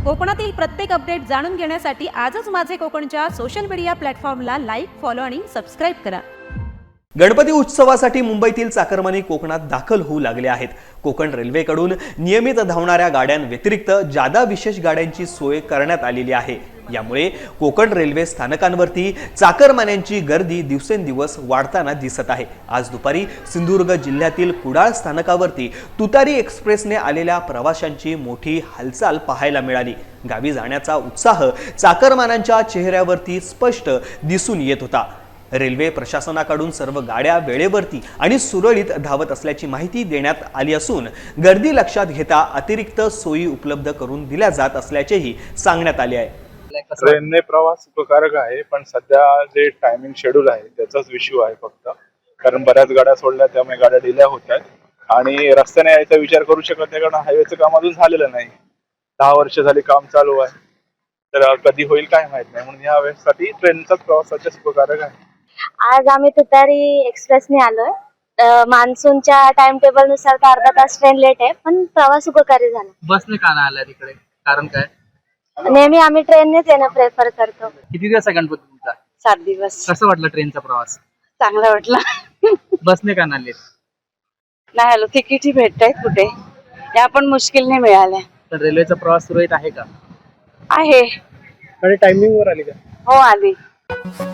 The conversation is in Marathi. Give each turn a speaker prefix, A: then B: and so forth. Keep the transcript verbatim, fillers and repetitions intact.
A: कोकणातील प्रत्येक अपडेट जाणून घेण्यासाठी आजच माझे कोकणच्या सोशल मीडिया प्लॅटफॉर्मला लाईक, फॉलो आणि सबस्क्राईब करा।
B: गणपती उत्सवासाठी मुंबईतील चाकरमानी कोकणात दाखल होऊ लागले आहेत। कोकण रेल्वेकडून नियमित धावणाऱ्या गाड्यांव्यतिरिक्त जादा विशेष गाड्यांची सोय करण्यात आलेली आहे। यामुळे कोकण रेल्वे स्थानकांवरती चाकरमान्यांची गर्दी दिवसेंदिवस वाढताना दिसत आहे। आज दुपारी सिंधुदुर्ग जिल्ह्यातील कुडाळ स्थानकावरती तुतारी एक्सप्रेसने आलेल्या प्रवाशांची मोठी हालचाल पाहायला मिळाली। गावी जाण्याचा उत्साह चाकरमान्यांच्या चेहऱ्यावरती स्पष्ट दिसून येत होता। रेल्वे प्रशासनाकडून सर्व गाड्या वेळेवरती आणि सुरळीत धावत असल्याची माहिती देण्यात आली असून गर्दी लक्षात घेता अतिरिक्त सोयी उपलब्ध करून दिल्या जात असल्याचेही सांगण्यात आले आहे।
C: ट्रेनने प्रवास सुखकारक आहे, पण सध्या जे टायमिंग शेड्यूल आहे त्याचाच इश्यू आहे फक्त, कारण बऱ्याच गाड्या सोडल्या त्यामुळे गाड्या डिले होत आहेत आणि रस्त्याने यायचा विचार करू शकत नाही, कारण हायवेचं काम अजून झालेलं नाही। दहा वर्ष झाली काम चालू आहे, तर कधी होईल काय माहित नाही, म्हणून या वेळेसाठी ट्रेनचाच प्रवास सध्या सुखकारक आहे।
D: आज आम्ही तुतारी एक्सप्रेसने आलोय। मान्सूनच्या टाइम टेबल नुसार तर अर्धा तास ट्रेन लेट आहे, पण प्रवास सुखकारी झाला।
E: बसने का नाही आला तिकडे, कारण काय?
D: नेहमी आम्ही ट्रेननेच येणं प्रेफर करतो।
E: किती दिवस आहे गणपती तुमचा?
D: सात दिवस।
E: कसं वाटलं ट्रेनचा प्रवास?
D: चांगला वाटला।
E: बसने का नाही आले?
D: नाही आलो, तिकीटही भेटतायत कुठे, त्या पण मुश्किलने मिळाल्या।
E: तर रेल्वेचा प्रवास सुरळीत आहे का?
D: आहे।
E: आणि टायमिंग वर आली का?
D: हो आली।